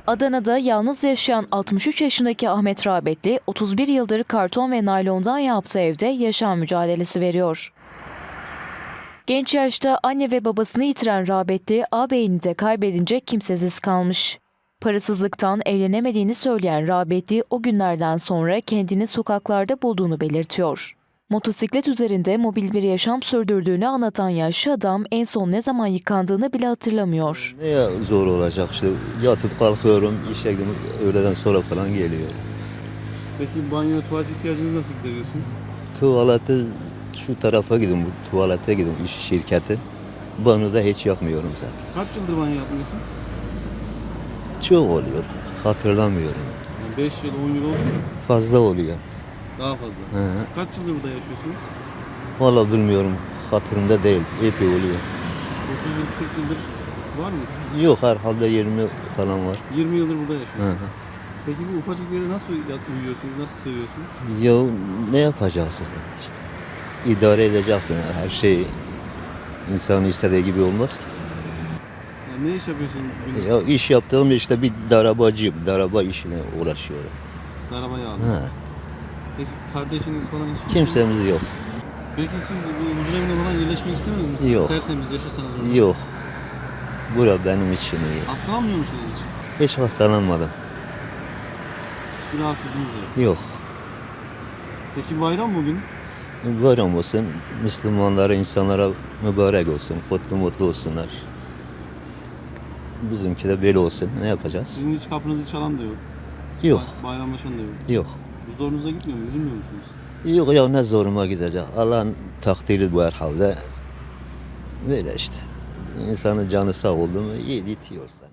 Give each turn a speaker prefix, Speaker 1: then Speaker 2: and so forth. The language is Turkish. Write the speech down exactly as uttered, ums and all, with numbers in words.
Speaker 1: Adana'da yalnız yaşayan altmış üç yaşındaki Ahmet Rağbetli, otuz bir yıldır karton ve naylondan yaptığı evde yaşam mücadelesi veriyor. Genç yaşta anne ve babasını yitiren Rağbetli, ağabeyini de kaybedince kimsesiz kalmış. Parasızlıktan evlenemediğini söyleyen Rağbetli, o günlerden sonra kendini sokaklarda bulduğunu belirtiyor. Motosiklet üzerinde mobil bir yaşam sürdürdüğünü anlatan yaşlı adam en son ne zaman yıkandığını bile hatırlamıyor.
Speaker 2: Ne zor olacak işte, yatıp kalkıyorum, işe gidiyorum, öğleden sonra falan geliyorum.
Speaker 3: Peki banyo, tuvalet ihtiyacınızı nasıl gideriyorsunuz?
Speaker 2: Tuvalete şu tarafa gidiyorum, bu tuvalete gidiyorum, iş şirketi. Banyoda hiç yapmıyorum zaten.
Speaker 3: Kaç yıldır banyo yapmıyorsun?
Speaker 2: Çok oluyor, hatırlamıyorum.
Speaker 3: Yani beş yıl, on yıl oldu mu?
Speaker 2: Fazla oluyor.
Speaker 3: Daha fazla.
Speaker 2: Hı.
Speaker 3: Kaç yıldır burada yaşıyorsunuz?
Speaker 2: Vallahi bilmiyorum, hatırımda değil, epey oluyor.
Speaker 3: otuz yıl, kırk yıldır var mı?
Speaker 2: Yok, herhalde yirmi falan var.
Speaker 3: yirmi yıldır burada
Speaker 2: Hı
Speaker 3: yaşıyorsunuz.
Speaker 2: hı.
Speaker 3: Peki bu ufacık yere nasıl yat- uyuyorsunuz, nasıl sığıyorsunuz?
Speaker 2: Ya ne yapacaksın işte? İdare edeceksin, her şey insanın istediği gibi olmaz ki.
Speaker 3: Yani ne iş yapıyorsunuz? Günlük?
Speaker 2: Ya iş yaptığım işte bir darabacıyım, daraba işine uğraşıyorum.
Speaker 3: Araba yağlı.
Speaker 2: Ha.
Speaker 3: Peki kardeşiniz falan hiç kimse-
Speaker 2: Kimsemiz yok.
Speaker 3: Peki siz bu huzur evine falan yerleşmek istemez misiniz?
Speaker 2: Yok.
Speaker 3: Tertemiz yaşasanız orada.
Speaker 2: Yok. Bura benim için iyi.
Speaker 3: Hastalanmıyor musunuz hiç?
Speaker 2: Hiç hastalanmadım.
Speaker 3: Hiçbir rahatsızlığınız yok.
Speaker 2: Yok.
Speaker 3: Peki bayram bugün.
Speaker 2: Bayram olsun, Müslümanlara, insanlara mübarek olsun, kutlu mutlu olsunlar. Bizimki de böyle olsun. Ne yapacağız?
Speaker 3: Sizin hiç kapınızı çalan da yok.
Speaker 2: Yok.
Speaker 3: Bay- Bayramlaşan da yok.
Speaker 2: Yok.
Speaker 3: Bu zorunuza gitmiyor mu? Üzülmüyor musunuz?
Speaker 2: Yok ya, ne zoruma gidecek. Allah'ın takdiri bu herhalde. Böyle işte. İnsanın canı sağ oldu mu iyi itiyorsa.